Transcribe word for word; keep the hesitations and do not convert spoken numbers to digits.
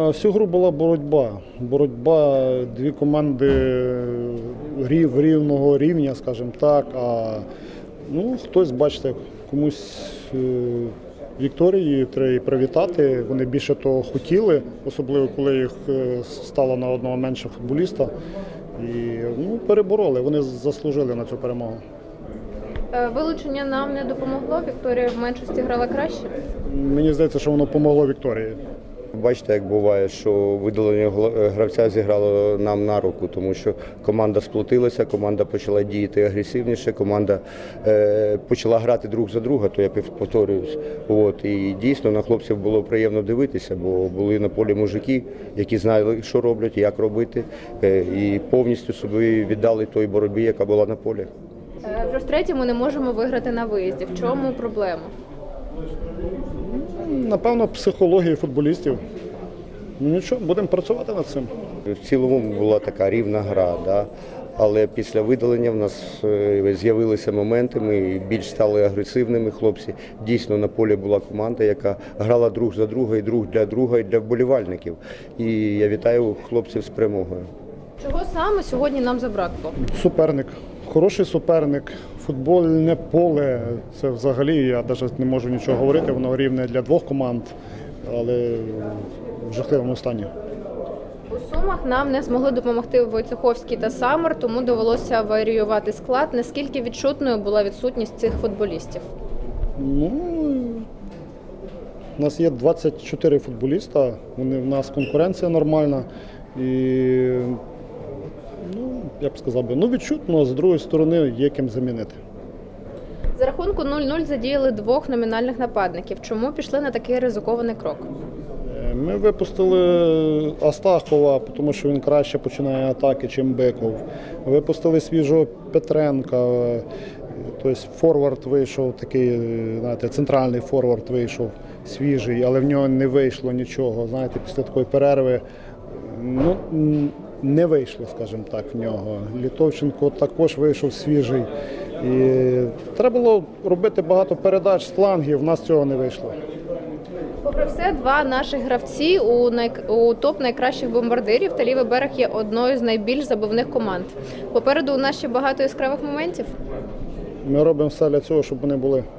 Всю гру була боротьба. Боротьба, дві команди рів, рівного рівня, скажімо так. А ну, хтось, бачите, комусь е, Вікторії треба і привітати. Вони більше того хотіли, особливо коли їх е, стало на одного менше футболіста. І ну, перебороли, вони заслужили на цю перемогу. Вилучення нам не допомогло, Вікторія в меншості грала краще? Мені здається, що воно допомогло Вікторії. Бачите, як буває, що видалення гравця зіграло нам на руку, тому що команда сплотилася, команда почала діяти агресивніше, команда е, почала грати друг за друга, то я повторююсь. От, і дійсно на хлопців було приємно дивитися, бо були на полі мужики, які знали, що роблять, як робити, е, і повністю собі віддали той боротьбі, яка була на полі. Вже втретє ми не можемо виграти на виїзді. В чому проблема? Напевно, психологія футболістів. Ну нічого, будемо працювати над цим. В цілому була така рівна гра, да? Але після видалення в нас з'явилися моменти, ми більш стали агресивними хлопці. Дійсно, на полі була команда, яка грала друг за друга, і друг для друга, і для вболівальників. І я вітаю хлопців з перемогою. Чого саме сьогодні нам забракло? Суперник. Хороший суперник, футбольне поле, це взагалі, я навіть не можу нічого говорити, воно рівне для двох команд, але в жахливому стані. У Сумах нам не змогли допомогти Войцеховський та Самар, тому довелося варіювати склад. Наскільки відчутною була відсутність цих футболістів? Ну, у нас є двадцять чотири футболіста, вони, в нас конкуренція нормальна і ну, я б сказав, би, ну відчутно, з другої сторони є ким замінити. За рахунку нуль-нуль задіяли двох номінальних нападників. Чому пішли на такий ризикований крок? Ми випустили Астахова, тому що він краще починає атаки, чим Биков. Випустили свіжого Петренка, тобто форвард вийшов, такий, знаєте, центральний форвард вийшов свіжий, але в нього не вийшло нічого. Знаєте, після такої перерви ну, не вийшло, скажімо так, в нього. Літовченко також вийшов свіжий. І треба було робити багато передач з флангів, в нас цього не вийшло. Попри все, два наших гравці у, най... у топ найкращих бомбардирів та лівий берег є одною з найбільш забивних команд. Попереду у нас ще багато яскравих моментів. Ми робимо все для цього, щоб вони були.